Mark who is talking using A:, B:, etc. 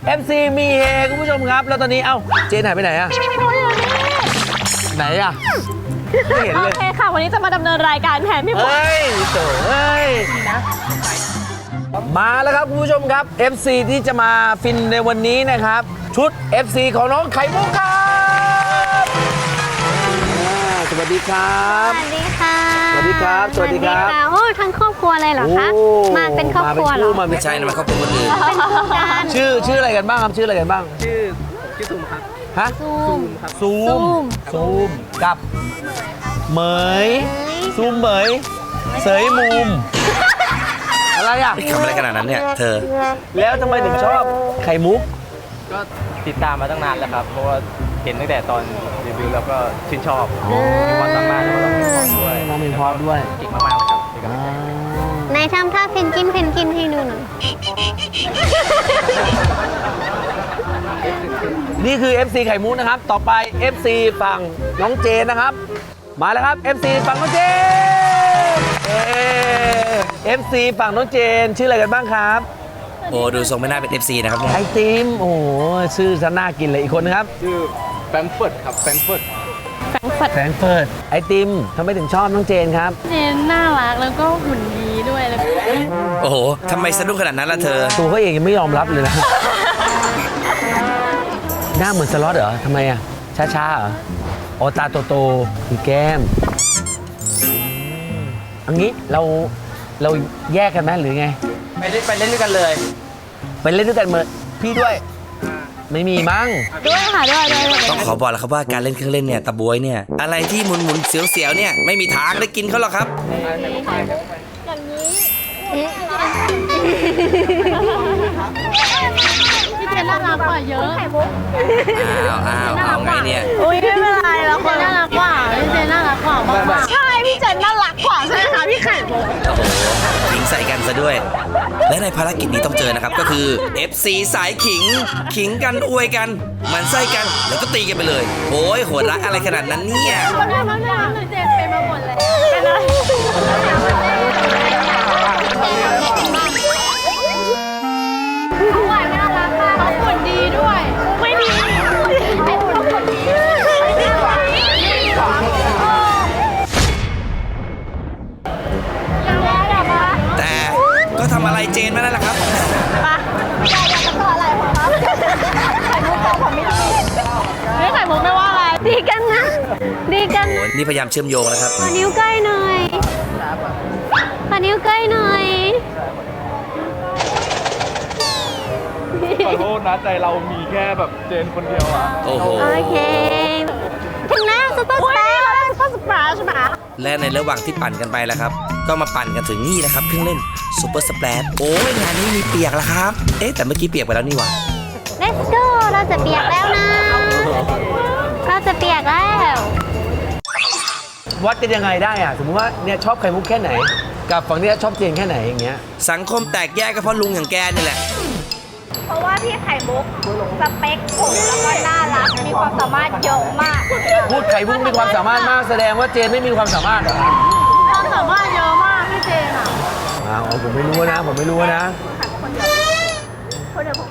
A: FC มีเฮคุณผู้ชมครับแล้วตอนนี้เอ้าเจนหายไปไหนอะไหนอะไม่เห็น
B: โอ
A: เลย
B: เคค่ะ วันนี้จะมาดำเนินรายการแทนพี่บุ๊ค
A: เฮ้ยโถ่เฮ้ยมาแล้วครับคุณผู้ชมครับ FC ที่จะมาฟินในวันนี้นะครับ ชุด FC ของน้องไข่มุกครับสวัสดีครับ
C: สวัสดีค่ะ
A: สวัสดีครับสวัสดีครับ
C: โอ้ทั้งครอบครัวเลยเหรอคะ
A: โอ้
C: มาเป็นครอบครัวเหรอ
A: มาเป็น
D: ใช่นะมันเขาเป็นคนอื่น
C: เป็นคู่กัน
A: ชื่ออะไรกันบ้างครับชื่ออะไรกันบ้าง
E: ชื่อซูมครับ
A: ฮะ
C: ซูม
A: ซูมกับเหมยซูมเหมยเสยมุมอะไรอ่ะ
D: ทำอะไรขนาดนั้นเนี่ยเธอ
A: แล้วทำไมถึงชอบไข่มุก
E: ก็ติดตามมาตั้งนานแล้วครับ เพราะว่าเห็นตั้งแต่ตอนรีวิวแล้วก็ชื่นชอบมีความสามารถแล้วก็ต้องมีความด้วย
A: น้องมีพอด้วย
E: เก่งมากๆเลยครับเป็นกำลังใจ
C: ในทำท่าเพนกินให้ดูหน่อย
A: นี่คือ FC ไข่มุกนะครับ ต่อไป FC ฝั่งน้องเจนนะครับ มาแล้วครับ FC ฝั่งน้องเจนFC ฝั่งน้องเจนชื่ออะไรกันบ้างครับ
D: โอ้ดูทรงไม่น่าเป็น FC นะครับเนี่ย
A: ไอติมโอ้โหชื่อจะน่ากินเลยอีกคนนะครับ
E: ชื่อแฟรงก์เฟิร์ตครับแฟรงก์เฟิร์ต
A: แฟรงก์เฟิร์ตไอติมทำไมถึงชอบน้องเจนครับ
B: เจนน่ารักแล้วก็หุ่นดีด้วยแล้วก็
D: โอ้โหทำไมสะดุ้งขนาดนั้นล่ะเธอ
A: ตัวเขาเองยังไม่ยอมรับเลยนะ หน้าเหมือนสล็อตเหรอทำไมอ่ะ ช้าๆเหรอโอตาโตๆมีแก้มอันนี้เราแยกกันไหมหรือไง
E: ไปเล่นด้วยกันเลย
A: ไปเล่นด้วยกันเหมือนพี่ด้วย ไม่มีมั้ง
B: ด้วยค่ะด้วย
D: ต้องขอบอกแล้วครับว่าการเล่นเครื่องเล่นเนี่ยตะบวยเนี่ยอะไรที่หมุนๆเสียวๆเนี่ยไม่มีทางได้กินเขาหรอกครับ
B: พี่เจนน่ารักกว่าเยอะ
D: เอาไงเนี่ย
B: อุ้ยไม่เป็นไรแล้วคนน่ารักกว่าพี่เจนน่ารักกว่ามากๆใช่พี่เจนน่ารักกว่าใช่ไหมคะพี่ไข่มุก
D: โอ้โหขิงใส่กันซะด้วย และในภารกิจนี้ต้องเจอนะครับ ก็คือ FC สายขิง ขิงกันอวยกันหมันไส้กันแล้วก็ตีกันไปเลย โอ้ยโหดรักอะไรขนาดนั้นเนี่ย
B: เจนไปมาหมดเลยเป็นอะไรเขาหวานน่ารักมากเขาหุ่นดีด้วย ไม่ดีไอ้เขาหุ่นดียังไงอะปะ
D: แต่ก็ทำอะไรเจนมานั่นแหละครับ
B: ปะอยากจะต่ออะไรของเขาไข่มุกบอกผมไม่ดีไม่ไข่มุกไม่ว่าอะไร
C: ดีกันนะ ดีกัน
D: โอ้ยนี่พยายามเชื่อมโยงนะครับ
C: ขอนิ้วใกล้หน่อยขอนิ้วใกล้หน่อย
E: ขอโทษนะใจเรามีแค่แบบเจนคนเดียวอ่ะ
D: โอ้โห
C: โอเค ถึงแล้วซุปเปอร์สตาร์
B: ซุปเปอร์สปราชใช่ไหม
D: และในระหว่างที่ปั่นกันไปแล้วครับ ก็มาปั่นกันถึงนี่นะครับเครื่องเล่นซูเปอร์สเปรดโอ้ยงานนี้มีเปียกแล้วครับ เอ๊ะแต่เมื่อกี้เปียกไปแล้วนี่หว่า
C: Let's go เราจะเปียกแล้วนะ เราจะเปียกแล้ว
A: วัดกันยังไงได้อ่ะ สมมติว่าเนี่ยชอบไข่มุกแค่ไหน กับฝั่งเนี้ยชอบเจนแค่ไหนอย่างเงี้ย
D: สังคมแตกแยกก็เพราะลุงอย่างแกนี่แหละ
B: เพราะว่าพี่ไข่มุกสเปคผมแล้วก็น่ารักมีความสามารถเยอะมาก
A: พูดไข่มุกมีความสามารถมากแสดงว่าเจนไม่มีความสามารถเหรอ
B: ความสามารถเยอะมากพี่เจนอ่ะ
A: อ้าวผมไม่รู้นะ ผมไม่รู้นะ
B: คนเดียว